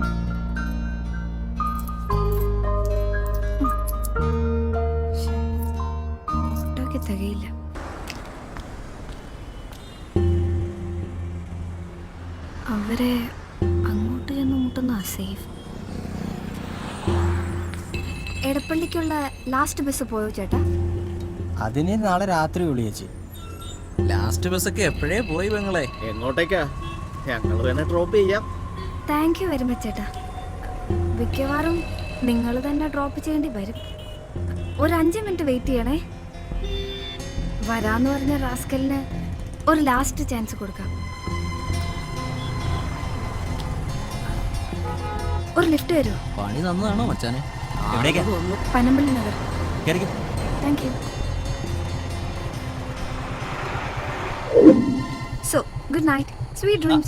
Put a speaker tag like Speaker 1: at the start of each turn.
Speaker 1: തികയില്ല. അവരെ അങ്ങോട്ട് ചെന്ന് മുട്ടുന്ന സേഫ്. എടപ്പള്ളിക്കുള്ള ലാസ്റ്റ് ബസ് പോയോ ചേട്ടാ?
Speaker 2: അതിന് നാളെ രാത്രി വിളിയേച്ചി.
Speaker 3: ലാസ്റ്റ് ബസ്സൊക്കെ എപ്പോഴേ പോയി പെങ്ങളെ.
Speaker 4: എങ്ങോട്ടേക്കാ? ഞങ്ങൾ തന്നെ ഡ്രോപ്പ് ചെയ്യാം.
Speaker 1: താങ്ക് യു വെരി മച്ച് ചേട്ടാ. മിക്കവാറും നിങ്ങൾ തന്നെ ഡ്രോപ്പ് ചെയ്യേണ്ടി വരും. ഒരു 5 മിനിറ്റ് വെയിറ്റ് ചെയ്യണേ. വരാന്ന് പറഞ്ഞ റാസ്കലിന് ഒരു ലാസ്റ്റ് ചാൻസ് കൊടുക്കാം. ഒരു ലിഫ്റ്റ് വരുമോ?
Speaker 3: പണി തന്നതാണോ മച്ചാനെ?
Speaker 2: എവിടേക്കാ?
Speaker 1: പനമ്പള്ളി നഗർ.
Speaker 2: കേറിക്കോ.
Speaker 1: Thank you. So good night, sweet dreams.